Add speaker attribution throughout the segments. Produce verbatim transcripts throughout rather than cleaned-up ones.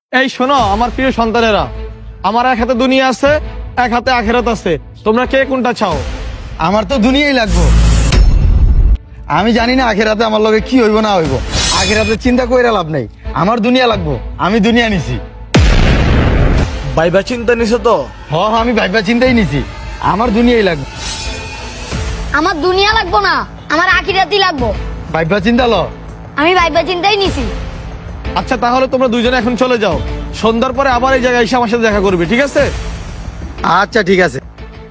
Speaker 1: এই শোনো আমার প্রিয় সন্তানেরা, আমার এক হাতে দুনিয়া আছে, এক হাতে আখিরাত আছে। তোমরা কে কোনটা চাও?
Speaker 2: আমার তো দুনিয়াই লাগবো। আমি জানি না আখেরাতে আমার লগে কি হইব না হইব। আখেরাতে চিন্তা কইরা লাভ নাই, আমার দুনিয়া লাগবো। আমি দুনিয়া নিছি।
Speaker 1: ভাইবা চিন্তা নিছো তো?
Speaker 2: হ হ, আমি ভাইবা চিন্তাই নিছি। আমার দুনিয়াই লাগবে।
Speaker 3: আমার দুনিয়া লাগবো না, আমার আখিরাতই লাগবো।
Speaker 2: ভাইবা চিন্তা ল।
Speaker 3: আমি ভাইবা চিন্তাই নিছি।
Speaker 1: আচ্ছা তাহলে তোমরা দুইজনে এখন চলে যাও, সন্ধ্যার পরে আবার এই জায়গায় এসে আমার সাথে দেখা করবে, ঠিক আছে?
Speaker 2: আচ্ছা ঠিক আছে।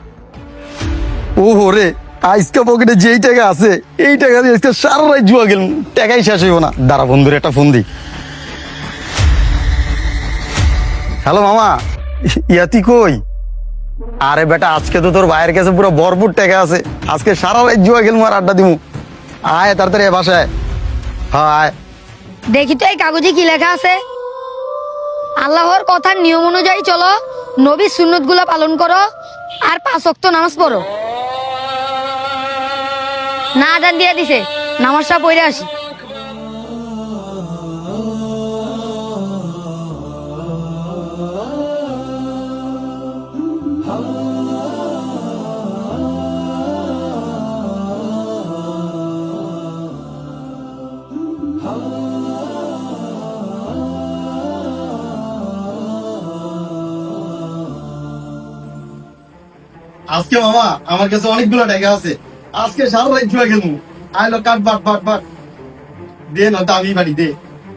Speaker 2: ও রে, আজকে পকেটে যেই টাকা আছে এই টাকা দিয়ে আজকে সারা রাত জুয়া গেল, টাকাই শেষ হইব না। দাঁড়া বন্ধুর একটা ফোন দি। হ্যালো মামা, ইয়াতি কই? আরে বেটা, আজকে তো তোর ভাইয়ের কাছে পুরো ভরপুর টাকা আছে। আজকে সারা রাত জুয়া গেল, আর আড্ডা দিমু। আয় তাড়াতাড়ি এ বাসায়। হ্যাঁ আয়।
Speaker 3: দেখি তো এই কাগজে কি লেখা আছে। আল্লাহর কথার নিয়ম অনুযায়ী চলো, নবীর সুন্নত গুলা পালন করো, আর পাঁচ ওয়াক্ত নামাজ পড়ো। না আজান দিয়ে দিছে, নামাজটা পড়ে আসি।
Speaker 2: আজকে মামা আমার কাছে অনেকগুলো টাকা আছে। আজকে সারা রাত জুয়া খেলবো। আইলো কাট বাট বাট বাট দে না, দামি বাড়ি দে।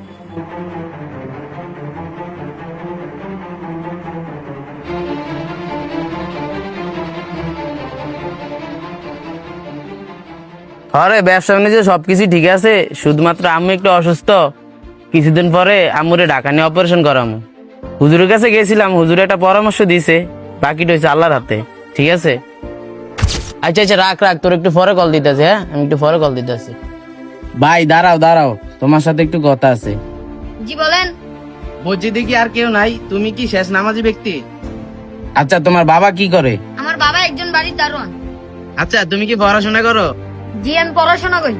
Speaker 4: আরে ব্যবসা বাণিজ্য সবকিছু ঠিক আছে, শুধুমাত্র আম্মু একটু অসুস্থ। কিছুদিন পরে আম্মুরে ঢাকা নিয়ে অপারেশন করামু। হুজুরের কাছে গেছিলাম, হুজুর একটা পরামর্শ দিয়েছে, বাকিটা হয়েছে আল্লাহর হাতে। ঠিক আছে? আচ্ছা আচ্ছা রাখ রাখ, তোর একটু পরে কল দিতেছে। হ্যাঁ আমি একটু পরে কল দিতেছি। ভাই দাঁড়াও দাঁড়াও, তোমার সাথে একটু কথা আছে।
Speaker 3: জি বলেন।
Speaker 4: মসজিদে কি আর কেউ নাই? তুমি কি শেষ নামাজি ব্যক্তি? আচ্ছা তোমার বাবা কি করে?
Speaker 3: আমার বাবা একজন বাড়ির দারোয়ান।
Speaker 4: আচ্ছা তুমি কি পড়াশোনা করো?
Speaker 3: জি আমি পড়াশোনা করি।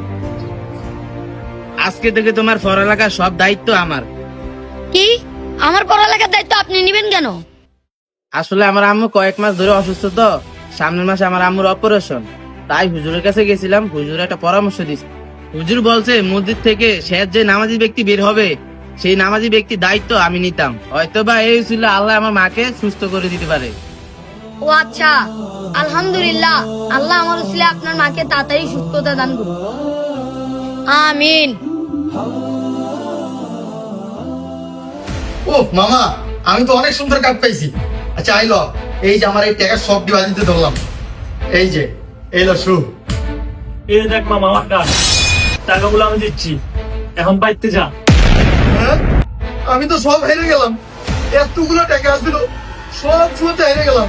Speaker 4: আজকে থেকে তোমার পড়ালেখার সব দায়িত্ব আমার।
Speaker 3: কি? আমার পড়ালেখার দায়িত্ব আপনি নিবেন কেন?
Speaker 4: আসলে আমার আম্মু কয়েক মাস ধরে অসুস্থ, তো সামনের মাসে আমার আম্মুর অপারেশন। তাই হুজুরের কাছে গেছিলাম, হুজুর একটা পরামর্শ দিচ্ছে। হুজুর বলছে মসজিদ থেকে শেষ যে নামাজি ব্যক্তি বের হবে, সেই নামাজি ব্যক্তির দায়িত্ব আমি নিতাম। হয়তো বা এই ছিল আল্লাহ আমার মাকে সুস্থ করে দিতে পারে।
Speaker 3: ও আচ্ছা, আলহামদুলিল্লাহ। আল্লাহ আমার উসিলে আপনার মাকে তাড়াতাড়ি সুস্থতা দান করুন। আমিন।
Speaker 2: ও মামা, আমি তো অনেক সুন্দর কাট পাইছি। আচ্ছা আইলো, এই যে আমার এই টাকা সব ডিভাইস দিতে ধরলাম। এই যে এইলো শু।
Speaker 5: এই দেখ মামা আমার কাজ, টাকাগুলো আমি দিচ্ছি, এখন বাইতে যা।
Speaker 2: হ্যাঁ? আমি তো সব হেরে গেলাম। এতগুলো টাকা আসছিল, সব জুয়াতে হেরে গেলাম।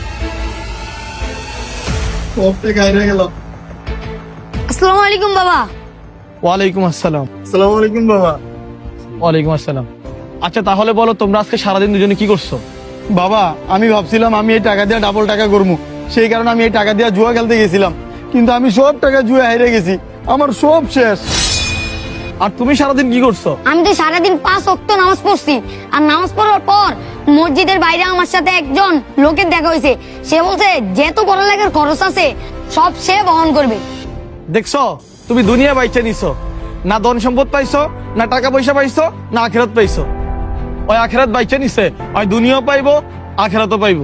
Speaker 2: সব টাকা হেরে গেলাম।
Speaker 3: আসসালামু আলাইকুম বাবা।
Speaker 1: ওয়ালাইকুম আসসালাম।
Speaker 2: আসসালামু আলাইকুম বাবা।
Speaker 1: ওয়ালাইকুম আসসালাম। আচ্ছা তাহলে বলো, তোমরা আজকে সারাদিন দুজনে কি করছো?
Speaker 2: বাবা আমি ভাবছিলাম আমি এই টাকা দিয়ে ডাবল টাকা করবো, সেই কারণে আমি এই টাকা দিয়ে জুয়া খেলতে গেছিলাম। কিন্তু আমি সব টাকা জুয়া হেরে গেছি, আমার সব শেষ।
Speaker 1: আর তুমি সারাদিন কি করছো?
Speaker 3: আমি তো সারাদিন পাঁচ ওয়াক্ত নামাজ পড়ছি। আর নামাজ পড়ার পর মসজিদের বাইরে আমার সাথে একজন লোকের দেখা হয়েছে। সে বলছে যেহেতু পড়ালেখার খরচ আছে সব সে বহন করবে।
Speaker 1: দেখছো, তুমি দুনিয়া বাইচে নিছো, না ধন সম্পদ পাইছো, না টাকা পয়সা পাইছো, না আখেরাত পাইছো। ওই আখেরাত বাইচে নিছে, ওই দুনিয়াও পাইবো, আখেরাতও পাইবো।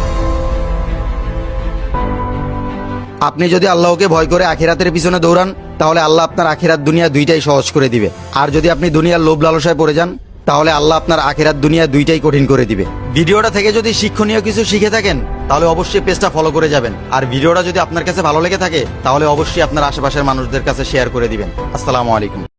Speaker 2: আপনি যদি আল্লাহকে ভয় করে আখিরাতের পিছনে দৌড়ান, তাহলে আল্লাহ আপনার আখিরাত দুনিয়া দুইটাই সহজ করে দিবে। আর যদি আপনি দুনিয়ার লোভ লালসায় পড়ে যান, তাহলে আল্লাহ আপনার আখিরাত দুনিয়া দুইটাই কঠিন করে দিবে। ভিডিওটা থেকে যদি শিক্ষণীয় কিছু শিখে থাকেন, তাহলে অবশ্যই পেজটা ফলো করে যাবেন। আর ভিডিওটা যদি আপনার কাছে ভালো লেগে থাকে, তাহলে অবশ্যই আপনার আশেপাশের মানুষদের কাছে শেয়ার করে দিবেন। আসসালামু আলাইকুম।